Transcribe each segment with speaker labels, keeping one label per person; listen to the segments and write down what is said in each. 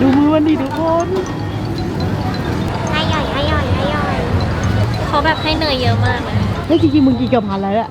Speaker 1: ดูมือมันดิทุกคน
Speaker 2: ให้ย่อยเขาแบบให้เนยเยอะมากเลย
Speaker 1: เฮ้ยจริงๆมึงกินเกือบพันแล้วอะ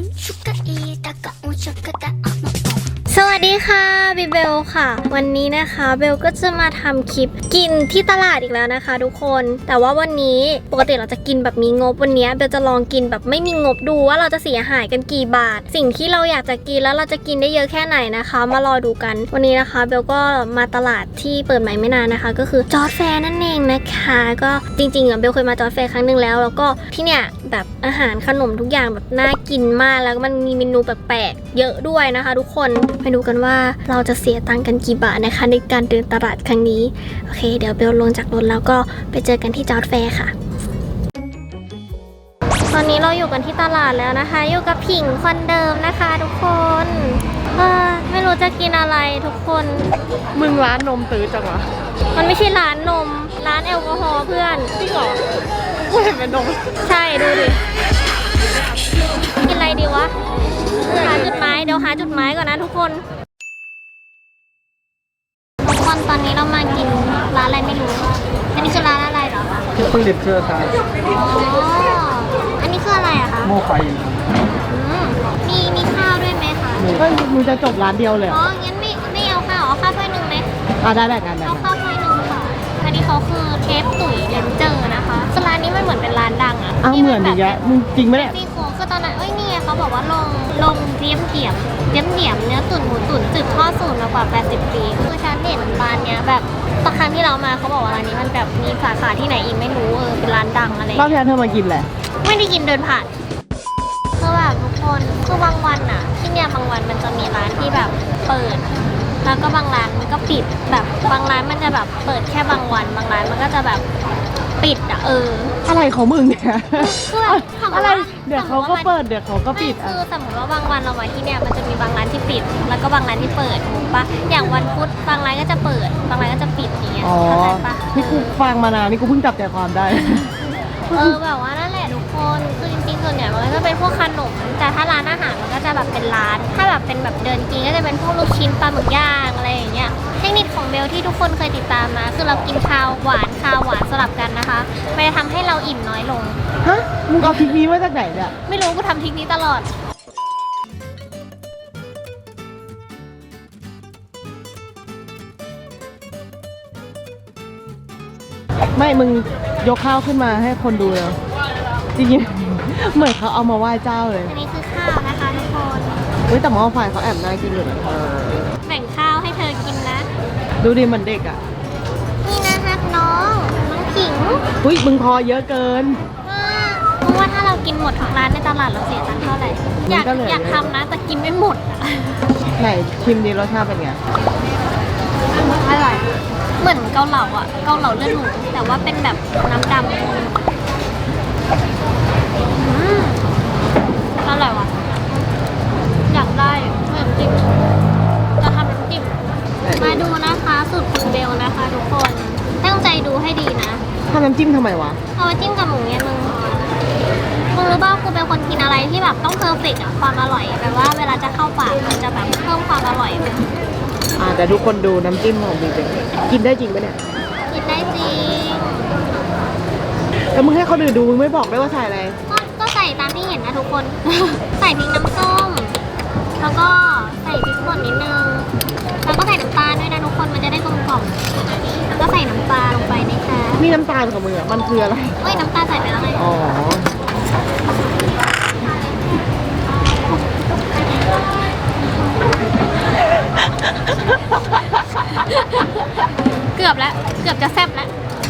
Speaker 2: สวัสดีค่ะบิเบลค่ะวันนี้นะคะเบลก็จะมาทำคลิปกินที่ตลาดอีกแล้วนะคะทุกคนแต่ว่าวันนี้ปกติเราจะกินแบบมีงบวันนี้เบลจะลองกินแบบไม่มีงบดูว่าเราจะเสียหายกันกี่บาทสิ่งที่เราอยากจะกินแล้วเราจะกินได้เยอะแค่ไหนนะคะมารอดูกันวันนี้นะคะเบลก็มาตลาดที่เปิดใหม่ไม่นานนะคะก็คือจอร์จแฟร์นั่นเองนะคะก็จริงๆเบลเคยมาจอร์จแฟร์ครั้งนึงแล้วก็ที่เนี่ยแบบอาหารขนมทุกอย่างแบบน่ากินมากแล้วมันมีเมนูแปลกๆเยอะด้วยนะคะทุกคนไปดูกันว่าเราจะเสียตังค์กันกี่บาทนะคะในการเดินตลาดครั้งนี้โอเคเดี๋ยวเบลลงจากรถแล้วก็ไปเจอกันที่จอร์จแฟร์ค่ะตอนนี้เราอยู่กันที่ตลาดแล้วนะคะอยู่กับผิงคนเดิมนะคะทุกคนไม่รู้จะกินอะไรทุกคน
Speaker 1: มึงร้านนมตื้อจังวะ
Speaker 2: มันไม่ใช่ร้านนมร้านแอลกอฮอล์เพื่อน
Speaker 1: จริงเหรอกูเห็นเป็นนม
Speaker 2: ใช่ดูดิกินอะไรดีวะหาจุดหมายเดี๋ยวหาจุดหมายก่อนนะทุกคนตอนนี้เรามากินร้านอะไรไม่รู้อันนี้คือร้านอะไรเหรอ
Speaker 1: ที่เพิ่งเด็ดเชื่อครับ
Speaker 2: อ๋ออันนี้คืออะไรอะคะ
Speaker 1: หม้อไฟ
Speaker 2: มีข้าวด้วยไหมคะ
Speaker 1: เฮ้ยมึงจะจบร้านเดียวเลย
Speaker 2: อ๋องั้นไม่เอาข้าวเอาข้าวถ้วยหนึ่งไหม
Speaker 1: ได้กัน
Speaker 2: เอาข้าวถ้วยหนึ่งค่ะอันนี้เขาคือเทปตุ๋ยเลนเจอร์นะคะร้านนี้มันเหมือนเป็นร้านดังอะ
Speaker 1: เหมือนอย่างเงี้ยมึงจริงไหมเนี่ย
Speaker 2: ซี่โครงคือตอนนั้นนี่ไงเขาบอกว่าลงเทียมเนื้อตุ๋นหมูตุ๋นสืบทอดสูตรมากว่า80 ปีคือฉันเห็นร้านเนี้ยแบบตอนครั้งที่เรามาเขาบอกว่าร้านนี้มันแบบมีสาขาที่ไหนอีกไม่รู้เป็นร้านดังอะไร
Speaker 1: รอบที่แล้วเธอมากินแหละ
Speaker 2: ไม่ได้กินเดินผ่านคือแบบทุกคนคือบางวันอะที่เนี่ยบางวันมันจะมีร้านที่แบบเปิดแล้วก็บางร้านมันก็ปิดแบบบางร้านมันจะแบบเปิดแค่บางวันบางร้านมันก็จะแบบปิดอะ
Speaker 1: อะไรของมึงเนี่ย
Speaker 2: คือแบบ
Speaker 1: อะไรเดี๋ยวเขาก็เปิดเดี๋ยวเขาก็ปิด
Speaker 2: คือสมมติว่าบางวันเรามาที่เนี่ยมันจะมีบางร้านที่ปิดแล้วก็บางร้านที่เปิดถูกปะอย่างวันพุธบางร้านก็จะเปิดบางร้านก็จะปิดอย่างเงี้ยเข้าใจปะ
Speaker 1: นี่กูฟังมานานนี่กูเพิ่งจับใจความได้
Speaker 2: แบบว่านั่นแหละทุกคนคือจริงๆส่วนใหญ่มันก็จะเป็นพวกขนมแต่ถ้าร้านอาหารมันก็จะแบบเป็นร้านถ้าแบบเป็นแบบเดินกินก็จะเป็นพวกลูกชิ้นปลาหมึกย่างอะไรอย่างเงี้ยเทคนิคของเบลที่ทุกคนเคยติดตามมาคือเรากินข้าวหวานสลับกันนะคะมันจะทำให้เราอิ่มน้อยลง
Speaker 1: ฮะมึงเอาทริคนี้มาจากไหนเนี่ย
Speaker 2: ไม่รู้กูทำทริคนี้ตลอด
Speaker 1: ไม่มึงยกข้าวขึ้นมาให้คนดูเลยจริงๆเหมือนเขาเอามาไหว้เจ้าเลย
Speaker 2: อันนี้คือข้าวนะคะทุกคน
Speaker 1: แต่หม้อไฟเขาแอบน่ากินอยู่นะ
Speaker 2: แบ่งข้าวให้เธอกินนะ
Speaker 1: ดูดิมันเด็กอ่ะ
Speaker 2: นี่นะคะน้องผิง
Speaker 1: มึงพอเยอะเกิน
Speaker 2: เพราะว่าถ้าเรากินหมดทุกร้านในตลาดเราเสียตังค์เท่าไหร่อยากทำนะแต่กินไม่หมด
Speaker 1: ไหนชิมดีรสชาติเป็นไง
Speaker 2: อร่อยเหมือนเกาเหลาเกาเหลาเลือดหมูแต่ว่าเป็นแบบน้ำดำอร่อยว่ะอยากได้น้ำจิ้มจะทำน้ำจิ้มมาดูนะคะสูตรคุณเบลนะคะทุกคนตั้งใจดูให้ดีนะ
Speaker 1: ทำน้ำจิ้มทำไมวะ
Speaker 2: เอามาจิ้มกับหมูเนี่ยมึงรู้ป่าวกูเป็นคนกินอะไรที่แบบต้องเพอร์เฟกต์ความอร่อยแบบว่าเวลาจะเข้าปากมันจะแบบเพิ่มความอร่อย
Speaker 1: แต่ทุกคนดูน้ำจิ้มของบีเป็นกินได้จริงปะเนี่ย
Speaker 2: กินได้จริง
Speaker 1: แล้วมึงให้เขาดูมึงไม่บอกได้ว่าใส่อะไร
Speaker 2: ก็ใส่ตามที่เห็นนะทุกคน ใส่พริกน้ำส้มแล้วก็ใส่พริกป่นนิดนึงแล้วก็ใส่น้ำตาลด้วยนะทุกคนมันจะได้กลมกล่อมแล้วก็ใส่น้ำปลาลงไปนะคะ
Speaker 1: นี่น้ำตาลของมึงมันคืออะไร
Speaker 2: น้ำตาลใส่ไปแล้วไง
Speaker 1: อ๋อ
Speaker 2: เกือบจะแซ่บแล้ว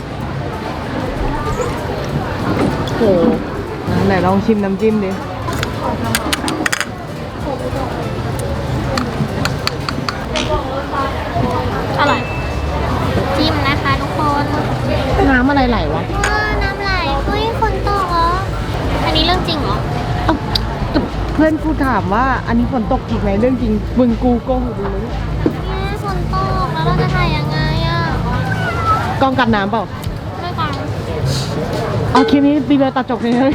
Speaker 1: โหไหนลองชิมน้ำจิ้มดิ
Speaker 2: อร่อยจิ้มนะคะทุกคน
Speaker 1: น้ำอะไรไหลวะ
Speaker 2: น้ำไหลฝนตกเหรออันนี้เรื่องจริงเหรอ
Speaker 1: เพื่อนกูถามว่าอันนี้ฝนตกจริงไหมเรื่องจริงมึงกูโกหกดูเลย
Speaker 2: ฝนตกแล้วเราจะถ่ายยังไง
Speaker 1: กล้องกันน้ำเปล่า
Speaker 2: ไม่กัน
Speaker 1: เอาคลิปนี้ดีเลยตัดจบเลย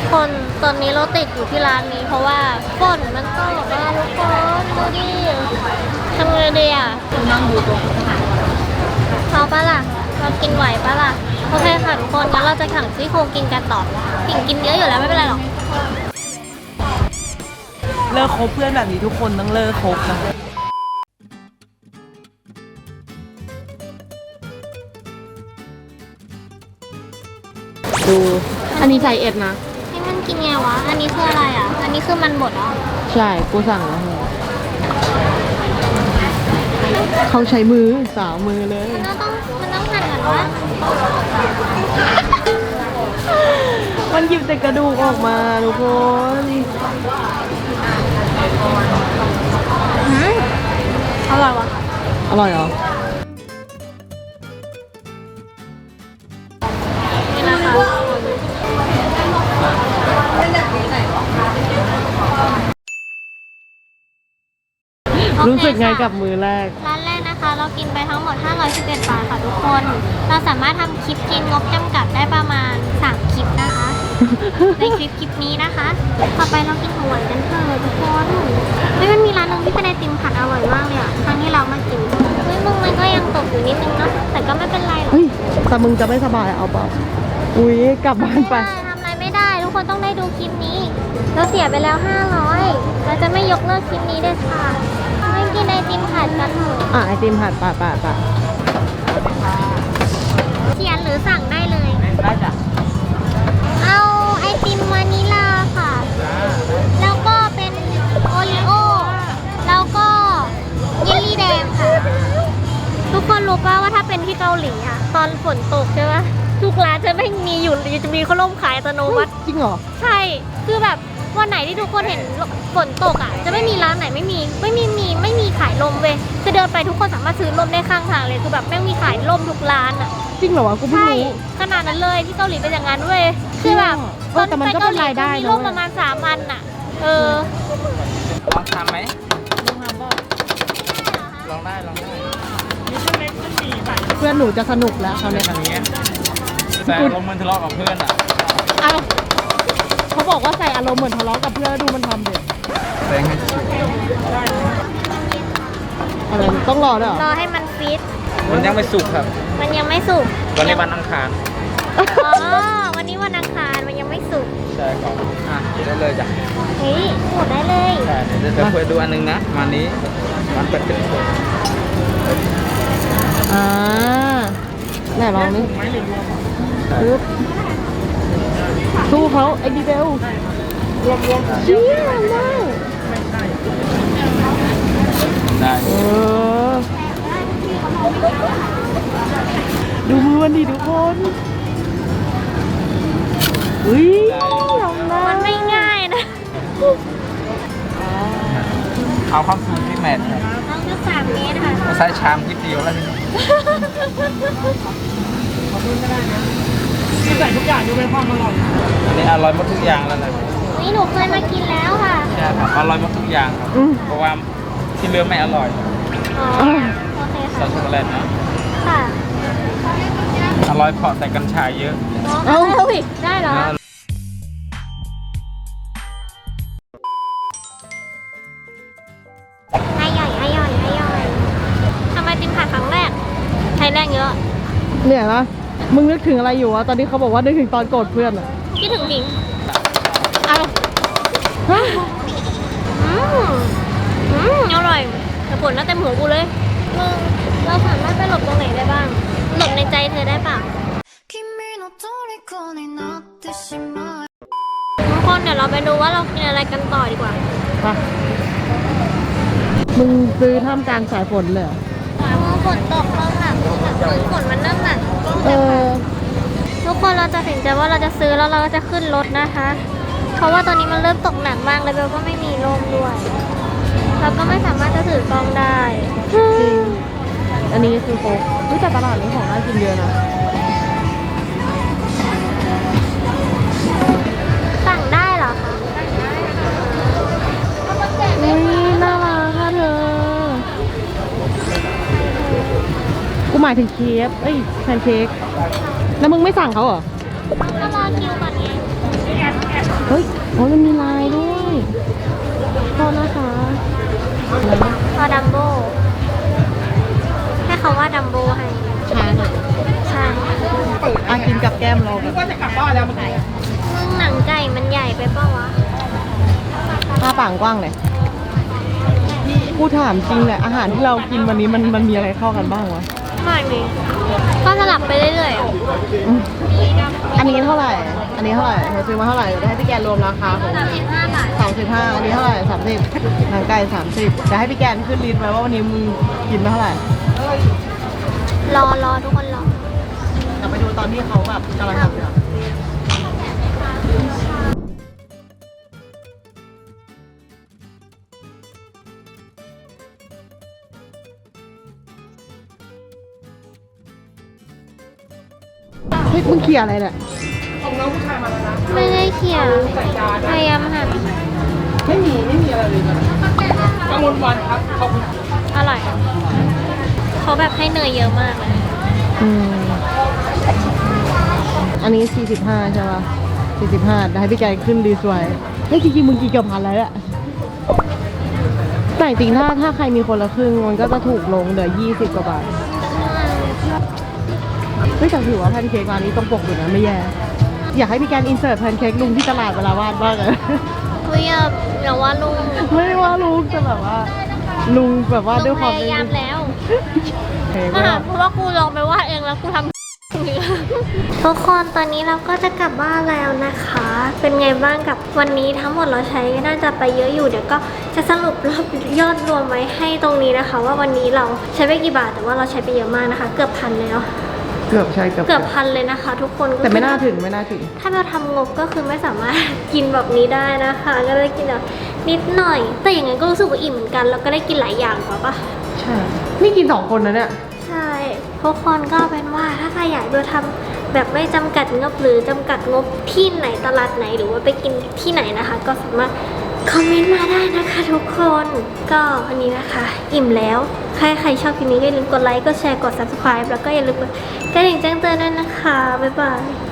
Speaker 2: คนตอนนี้เราติดอยู่ที่ร้านนี้ เพราะว่าฝนมันตกมาทุกคนดูดิทำไงดีอ่ะนั่งดูตัวเขาปะล่ะเรากินไหวปะล่ะโอเคค่ะทุกคนงั้นเราจะขังซี่โครงกินกันต่อกินเยอะอยู่แล้วไม่เป็นไรหรอก
Speaker 1: เลิกคบเพื่อนแบบนี้ทุกคนต้องเลิกคบนะดูอันนี้ใส่เอ็ดนะ
Speaker 2: นี่มันกินไงวะอันนี้คืออะไรอ่ะอันนี้คือมันบดเหรอ
Speaker 1: ใช่กูสั่งแล้วเขาใช้มือสาวมือเลย
Speaker 2: มันต้องหั่นกันวะ
Speaker 1: มันหยิบแต่กระดูกออกมาทุกคน
Speaker 2: อร่อยวะ
Speaker 1: อร่อยเหรอ
Speaker 2: นี่นะคะ
Speaker 1: รู้สึกไงกับมือแรก
Speaker 2: ร้านแรกนะคะ เรากินไปทั้งหมด511 บาทค่ะทุกคน เราสามารถทำคลิปกินงบจำกัดได้ประมาณ3คลิปนะคะ ในคลิปนี้นะคะ ต่อไปเรากินของหวานกันเถอะทุกคนเฮ้ยมันมีร้านนึงที่เป็นไอติมผัดอร่อยมากเลยอะครั้งที่เรามากินเฮ้ยมึงมันก็ยังตกอยู่นิดนึงเนาะแต่ก็ไม่เป็นไรหรอก
Speaker 1: เฮ้ยแต่มึงจะไม่สบายเอาเปล่า อุ้ยกลับบ้านไป
Speaker 2: ทำอะไรไม่ได้ทุกคนต้องได้ดูคลิปนี้ เราเสียไปแล้ว500เราจะไม่ยกเลิกคลิปนี้เด็ดขาดไม่กินไอติมผัดกันเถอะ
Speaker 1: อ่ะไอติมผัดป่ะ
Speaker 2: เขียนหรือสั่งได้เลย
Speaker 1: ได้จ้ะ
Speaker 2: เอาไอติมวานิลาค่ะ แล้วก็เป็นโอริโอ แล้วก็เยลลี่แดงค่ะ ทุกคนรู้ป่ะว่าถ้าเป็นที่เกาหลีอะตอนฝนตกใช่ปะทุกร้านจะไม่มีอยู่จะมีข้าวล่มขายอัตโนมัติ
Speaker 1: จริงเหรอ
Speaker 2: ใช่ คือแบบวันไหนที่ทุกคนเห็นฝนตกอ่ะ จะไม่มีร้านไหนไม่มีขายลมเว้ยคือเดินไปทุกคนสามารถซื้อลมได้ข้างทางเลย คือแบบแม่งมีขายลมทุกร้านอ่ะ
Speaker 1: จริงเหรอวะกูเพิ่ง
Speaker 2: ใช่
Speaker 1: รู้
Speaker 2: ขนาดนั้นเลยที่เกาหลีเป็นอย่างนั้นเว้ย คือแบบ
Speaker 1: เออแต่มันก็เป็นรายได้
Speaker 2: มี
Speaker 1: นะ
Speaker 2: ลมประมาณ3 อันอ่ะ เออ
Speaker 3: ลองทำไหมลองได้
Speaker 1: เพื่อนหนูจะสนุกแล้วเขาวเนี่ย
Speaker 3: ทำอย่างเงี้ยแต่ลงมือทะเลาะกับเพื่อนอ่ะ
Speaker 1: เอาเขาบอกว่าใส่อารมณ์เหมือนทะเลาะกับเพื่อนแล้วดูมันทำเด็
Speaker 3: แซงให้สุด
Speaker 1: อะไรต้องรอด้วยเหร
Speaker 2: ร
Speaker 1: อ
Speaker 2: อให้มันฟิต
Speaker 3: มันยังไม่สุกครับ
Speaker 2: มันยังไม่สุก
Speaker 3: วันนี้วันอังคาร
Speaker 2: อ๋อ วันนี้วันอังคารมันยังไม่สุก
Speaker 3: ใช่ครับอ่ะได้เลยจ้ะ
Speaker 2: เฮ้ยหมดได้เลย
Speaker 3: ใช่เดี๋ยวจะคุยดูอันนึงนะวันนี้มันเป็นเป็นคน
Speaker 1: อ่าไหนลองดิปึ๊บสู้เขาไอ้ดีเบลเชี่ยได้
Speaker 3: ได้
Speaker 1: เออดูมือมันดิทุกคนอุ้ยทำได้
Speaker 2: มันไม่ง่ายนะ
Speaker 3: เอาความสูงที่แมท
Speaker 2: น้องคือ3 เมตรค่ะ
Speaker 3: ใช้ชามที่เดียวแล้วทีนี้
Speaker 1: ใส่ทุกอย่างดูเป็นความอร่อย
Speaker 3: อันนี้อร่อยหมดทุกอย่างแล้วนะ
Speaker 2: นี่หนูเคยมากินแล้วค่ะ
Speaker 3: ใช่ครับอร่อยหมดทุกอย่างครับเพราะว่าที่เหลือไม่อร่อย
Speaker 2: อ๋อ โอเค
Speaker 3: ซอ
Speaker 2: ค่ะ
Speaker 3: สช็อกโกแลตนะ
Speaker 2: ค่ะ
Speaker 3: อร่อยเพราะใส่กัญชาเยอะ
Speaker 2: เอาอีกได้เหรอ อร่อยทำไมติมผัดครั้งแรกใช้แรงเยอะ
Speaker 1: เหนื่อยปะมึงนึกถึงอะไรอยู่วะตอนนี้เขาบอกว่านึกถึงตอนโกรธเพื่อนอะ
Speaker 2: คิดถึงหนิง
Speaker 1: เอาฮะ
Speaker 2: อร่อยแต่ผลน่าเต็มหัวกูเลยมึงเราสามารถไปหลบตรงไหนได้บ้าง หลบในใจเธอได้เปล่าทุกคนเดี๋ยวเราไปดูว่าเรากินอะไรกันต่อดีกว่า
Speaker 1: ไปมึงซื้อท่ามกลางสายฝนเลยเหรอ
Speaker 2: ฝนตกลงแบบฝนมันเริ่มหนัก
Speaker 1: เออ
Speaker 2: ทุกคนเราจะตัดสินใจว่าเราจะซื้อแล้วเราก็จะขึ้นรถนะคะ เพราะว่าตอนนี้มันเริ่มตกหนักมากเลยเบลก็ไม่มีร่มด้วย เราก็ไม่สามารถจะถือกล้องได้
Speaker 1: จริง อันนี้คือโค้กเฮ้ยแต่ตลาดนี้ของน่ากินเยอะนะ
Speaker 2: สั่งได้เหรอคะ
Speaker 1: อุ้ยน่ารักค่ะเธอ กูหมายถึงเค้กเอ้ยแพนเค้กแล้วมึงไม่สั่งเขาเหรอ
Speaker 2: ก็รอคิวก่อนไง
Speaker 1: เฮ้ยโอ้มันมีลายด้วยโทษนะคะ
Speaker 2: พอดัมโบให้เขาว่าดัมโบให้
Speaker 1: ชาหน่อย
Speaker 2: ใช่
Speaker 1: กินกับแก้มเราแบบ
Speaker 2: มึงหนังไก่มันใหญ่ไปเปล่าวะ
Speaker 1: หน้าปากกว้างเลยกูถามจริงแหละอาหารที่เรากินวันนี้มันมีอะไรเข้ากันบ้างวะ
Speaker 2: ไม่มีก็สลับไปเรื่อย
Speaker 1: อืมอันนี้เท่าไหร่ อันนี้เท่าไหร่เธอซื้อมาเท่าไหร่เดี๋ยวให้พี่แกนรวมราคาของ
Speaker 2: ๆ35 บาท
Speaker 1: 35อันนี้เท่าไหร่30หนังไก่30จะให้พี่แกนขึ้นลิสต์ไว้ว่าวันนี้มึงกินมาเท่าไหร่
Speaker 2: รอทุกคนรอ
Speaker 1: เดี๋ยวไปดูตอนที่เขาแบบกำลังทำอยู่อะเฮ้ยมึงเขี่ยอะไรเนี่ย
Speaker 2: ไม่ได้เขียนพยายามหัน
Speaker 3: ไม่มีอะไรเลยนะกังวลวันครับขอบคุณ
Speaker 2: อร่อยเขาแบบให้เนยเยอะมากเลย
Speaker 1: อืมอันนี้45ใช่ป่ะ45ได้ให้พี่แกขึ้นดีสวยเฮ้ยจริงๆมึงกินเกือบพันแล้วแหละแต่จริงๆถ้าใครมีคนละครึ่งมันก็จะถูกลงเหลือ20กว่าบาทเฮ้ยแต่ถือว่าแพนเค้กร้านนี้ต้องปกอยู่นะไม่แย่อยากให้พี่แกนอินเสิร์ตแพนเค้กลุงที่ตลาดเวลาวาดบ้างเลย
Speaker 2: เฮ้ยอย่าว่าลุง
Speaker 1: ไม่ได้ว่าลุงแต่แบบว่า ลุงแบบว่าด้วยความ
Speaker 2: พยายามแล้ว
Speaker 1: เค้ก
Speaker 2: เพราะว่ากูลองไปวาดเองแล้วกูทำ ทุกคนตอนนี้เราก็จะกลับบ้านแล้วนะคะ เป็นไงบ้างกับวันนี้ทั้งหมดเราใช้น่าจะไปเยอะอยู่เดี๋ยวก็จะสรุปรอบยอดรวมไว้ให้ตรงนี้นะคะ ว่าวันนี้เราใช้ไปกี่บาทแต่ว่าเราใช้ไปเยอะมากนะคะ เกือบพันเลยเนาะ
Speaker 1: เกือบใช่เกือบ
Speaker 2: เกือบพันเลยนะคะ ทุกคนก็คือ
Speaker 1: แต่ไม่น่าถึง
Speaker 2: ถ้าเราทำงบก็คือไม่สามารถ กินแบบนี้ได้นะคะ ก็ได้กินแบบนิดหน่อย แต่อย่างนั้นก็รู้สึกว่าอิ่มเหมือนกันแล้วก็ได้กินหลายอย่างกว่าปะ
Speaker 1: ใช่นี่กิน2คนนะเนี่ย
Speaker 2: ใช่ทุกคนก็เป็นว่าถ้าใครอยากดูทำแบบไม่จำกัดงบหรือจำกัดงบที่ไหนตลาดไหนหรือว่าไปกินที่ไหนนะคะ ก็สามารถคอมเมนต์มาได้นะคะทุกคนก็วันนี้นะคะ อิ่มแล้วใครชอบคลิปนี้ก็อย่าลืมกดไลค์กดแชร์กด subscribe แล้วก็อย่าลืมกดกระดิ่งแจ้งเตือนด้วยนะคะบ๊ายบาย